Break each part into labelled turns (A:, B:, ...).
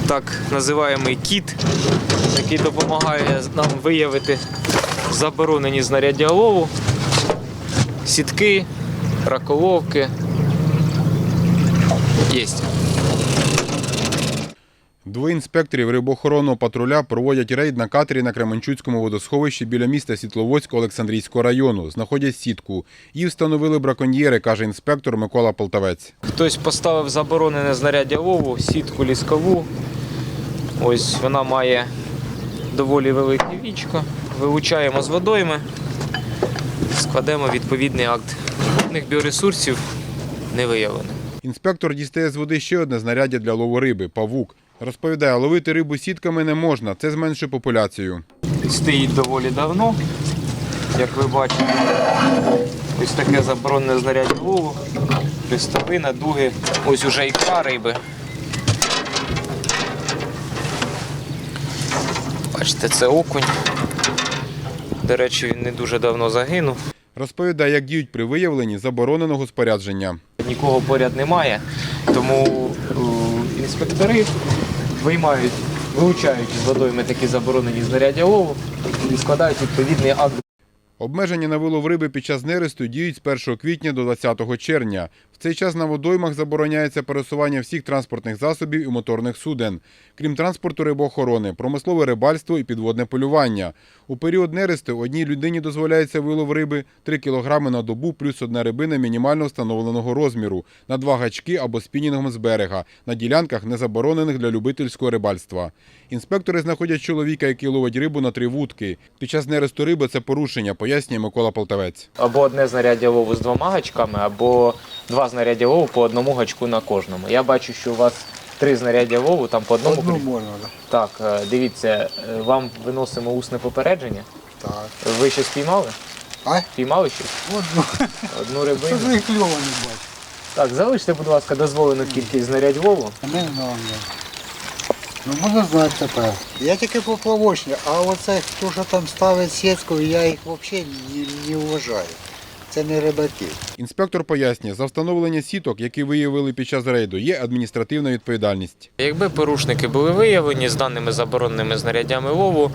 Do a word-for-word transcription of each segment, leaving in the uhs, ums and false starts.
A: так називаємий кіт, який допомагає нам виявити заборонені знаряддя лову, сітки, раколовки. Єсть.
B: Двоє інспекторів рибоохоронного патруля проводять рейд на катері на Кременчуцькому водосховищі біля міста Світловодськ Олександрійського району. Знаходять сітку. Її встановили браконьєри, каже інспектор Микола Полтавець.
A: Хтось поставив заборонене знаряддя лову, сітку ліскову. Ось вона має доволі велике вічко. Вилучаємо з водойми, складемо відповідний акт. Водних біоресурсів не виявлено.
B: Інспектор дістає з води ще одне знаряддя для лову риби – павук. Розповідає, ловити рибу сітками не можна, це зменшує популяцію.
A: Стоїть доволі давно, як ви бачите. Ось таке заборонене знаряддя лову, хрестовина, дуги, ось уже ікра риби. Бачите, це окунь. До речі, він не дуже давно загинув.
B: Розповідає, як діють при виявленні забороненого спорядження.
A: Нікого поряд немає, тому інспектори виймають, вилучають з водойми такі заборонені знаряддя лову і складають відповідний акт.
B: Обмеження на вилов риби під час нересту діють з першого квітня до двадцятого червня. В цей час на водоймах забороняється пересування всіх транспортних засобів і моторних суден, крім транспорту рибоохорони, промислове рибальство і підводне полювання. У період нересту одній людині дозволяється вилов риби три кілограми на добу плюс одна рибина мінімально встановленого розміру, на два гачки або спінінгом з берега, на ділянках, не заборонених для любительського рибальства. Інспектори знаходять чоловіка, який ловить рибу на три вудки. Під час нересту риби це порушення, пояснює Микола Полтавець.
A: Або одне знаряддя лову з двома гачками, або два знаряддя лову по одному гачку на кожному. Я бачу, що у вас три знаряддя лову, там по одному.
C: Одну можна,
A: так. Так, дивіться, вам виносимо усне попередження.
C: Так.
A: Ви щось піймали?
C: А?
A: Піймали щось?
C: Одну.
A: Одну рибину.
C: Це ж кльово не бачу.
A: Так, залиште, будь ласка, дозволену кількість знарядь лову.
C: Не знаю. Ну, можна знати тепер. Я тільки поплавочний, а оце, хто що там ставить сітку, я їх взагалі не, не вважаю. Це не рибаки.
B: Інспектор пояснює, за встановлення сіток, які виявили під час рейду, є адміністративна відповідальність.
A: Якби порушники були виявлені з даними забороненими знаряддями лову,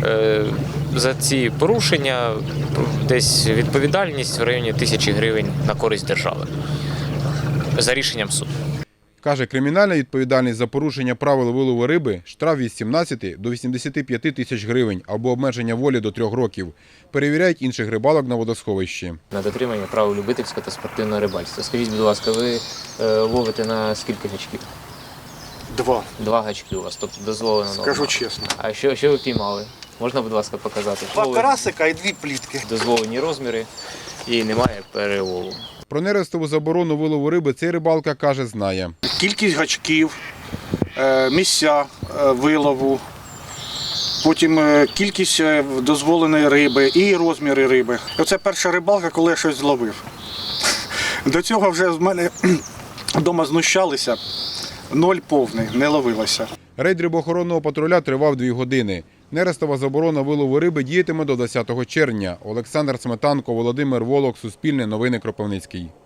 A: за ці порушення десь відповідальність в районі тисячі гривень на користь держави за рішенням суду.
B: Каже, кримінальна відповідальність за порушення правил вилову риби – штраф від сімнадцяти до вісімдесяти п'яти тисяч гривень або обмеження волі до трьох років. Перевіряють інших рибалок на водосховищі.
A: На дотримання правил любительського та спортивного рибальства. Скажіть, будь ласка, ви е, ловите на скільки гачків?
C: Два.
A: Два гачки у вас, тобто дозволено норма.
C: Скажу чесно.
A: А що, що ви піймали? Можна, будь ласка, показати?
C: Два карасика і дві плітки.
A: Дозволені розміри і немає перелову.
B: Про нерестову заборону вилову риби цей рибалка, каже, знає.
D: Кількість гачків, місця вилову, потім кількість дозволеної риби і розміри риби. Оце перша рибалка, коли я щось зловив. До цього вже з мене вдома знущалися, ноль повний, не ловилося.
B: Рейд рибоохоронного патруля тривав дві години. Нерестова заборона вилову риби діятиме до двадцятого червня. Олександр Сметанко, Володимир Волок, Суспільне новини, Кропивницький.